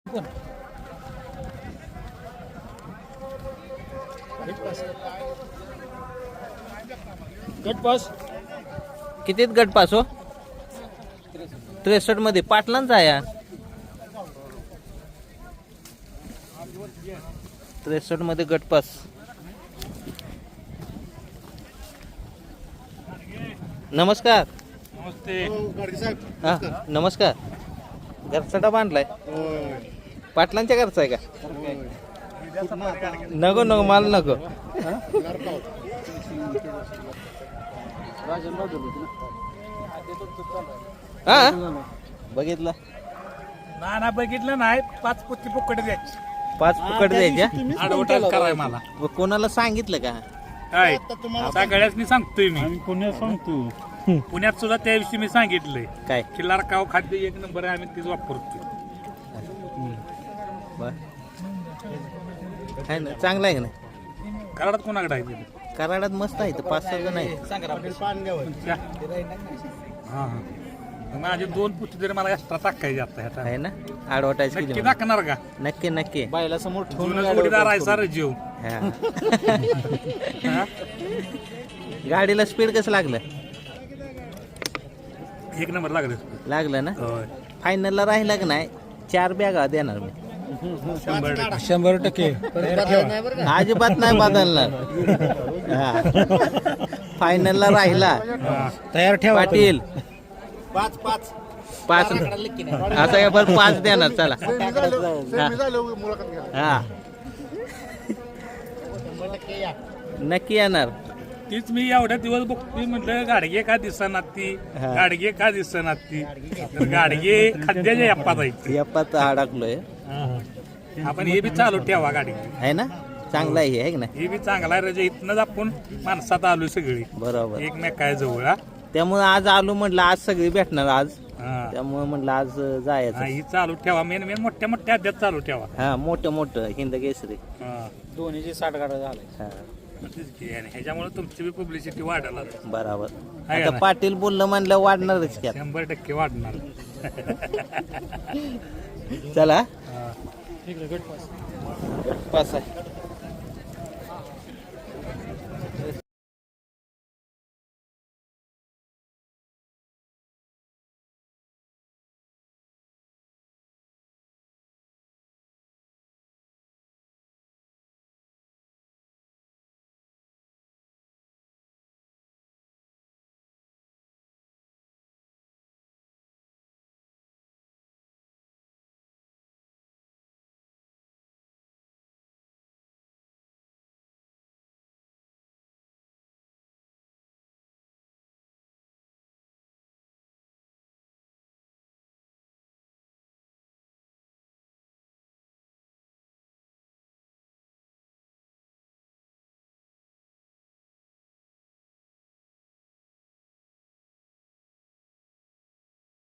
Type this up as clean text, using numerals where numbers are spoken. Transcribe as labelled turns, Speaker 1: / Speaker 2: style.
Speaker 1: गटपास
Speaker 2: कितीत गट पास हो? 63 मध्ये पाटलांचा आहे. 63 मध्ये गट पास. नमस्कार.
Speaker 1: नमस्ते.
Speaker 2: हा नमस्कार. घरचा बांधलाय पाटलांच्या घरचा आहे का? नको नको मला नको. हा बघितलं
Speaker 1: ना बघितलं नाही. 5 पुत्ती फुकट द्यायची.
Speaker 2: 5 फुकट द्यायच्या.
Speaker 1: ऍडव्हर्टाईज कराय मला
Speaker 2: कोणाला सांगितलं का?
Speaker 1: काय सगळ्याच सांगतोय मी. पुण्यात सांगतो. पुण्यात सुद्धा त्या दिवशी मी सांगितलंय
Speaker 2: काय
Speaker 1: किल्लार काव खाद्य 1 नंबर आहे. आम्ही तीच वापरतो.
Speaker 2: आहे ना चांगलं आहे का नाही?
Speaker 1: कराडात कोणाकडे आहे ते?
Speaker 2: कराडात मस्त आहे 5-6 जण आहे.
Speaker 1: हा हा माझे 2 पुत्ती तरी मला एक्स्ट्रा टाकायचे आता.
Speaker 2: आहे ना ऍडव्हर्टाईज
Speaker 1: नक्की
Speaker 2: केली
Speaker 1: टाकणार का?
Speaker 2: नक्की नक्की.
Speaker 1: बायला समोर ठेवून जोडीदार आहे सर जीव.
Speaker 2: हा. गाडीला स्पीड कसं लागलं?
Speaker 1: 1 नंबर लागले.
Speaker 2: लागलं ना.
Speaker 1: होय
Speaker 2: फायनलला राहिला का नाही 4 बॅगा देणार मी.
Speaker 1: 100%
Speaker 2: अजिबात नाही बदलणार. फायनलला राहिला
Speaker 1: तयार ठेवा
Speaker 2: पाटील 5 असं काय बरं 5 देणार. चला हा नक्की येणार.
Speaker 1: तीच मी एवढ्या दिवस बघतोय म्हटलं गाडगे का दिसणार ती गाडगे का दिसणार ती. तर गाडगे खाद्याच्या यप्पात आहे.
Speaker 2: यप्पात अडकलोय.
Speaker 1: आपण हे बी चालू ठेवा गाडी.
Speaker 2: आहे ना चांगला आहे की नाही?
Speaker 1: हे बी चांगला आहे. रजे इथनच आपण माणसात आलो सगळी
Speaker 2: बरोबर.
Speaker 1: एकमेकाय जवळ.
Speaker 2: त्यामुळे आज आलो म्हटलं आज सगळी भेटणार आज.
Speaker 1: हा
Speaker 2: त्यामुळे म्हटलं आज जायचं.
Speaker 1: ही चालू ठेवा. मेन मोठ्या मोठ्या अध्यात चालू ठेवा.
Speaker 2: हा मोठं हिंद केसरी.
Speaker 1: दोन्हीची 60 गाड्या झाल्या.
Speaker 2: हा
Speaker 1: ह्याच्यामुळे तुमची बी पब्लिसिटी वाढायला
Speaker 2: बरोबर.
Speaker 1: आहे
Speaker 2: आता
Speaker 1: ना?
Speaker 2: पाटील बोललं म्हणलं वाढणारच की आता.
Speaker 1: 100% वाढणार.
Speaker 2: चला
Speaker 1: हा.
Speaker 2: पास आहे.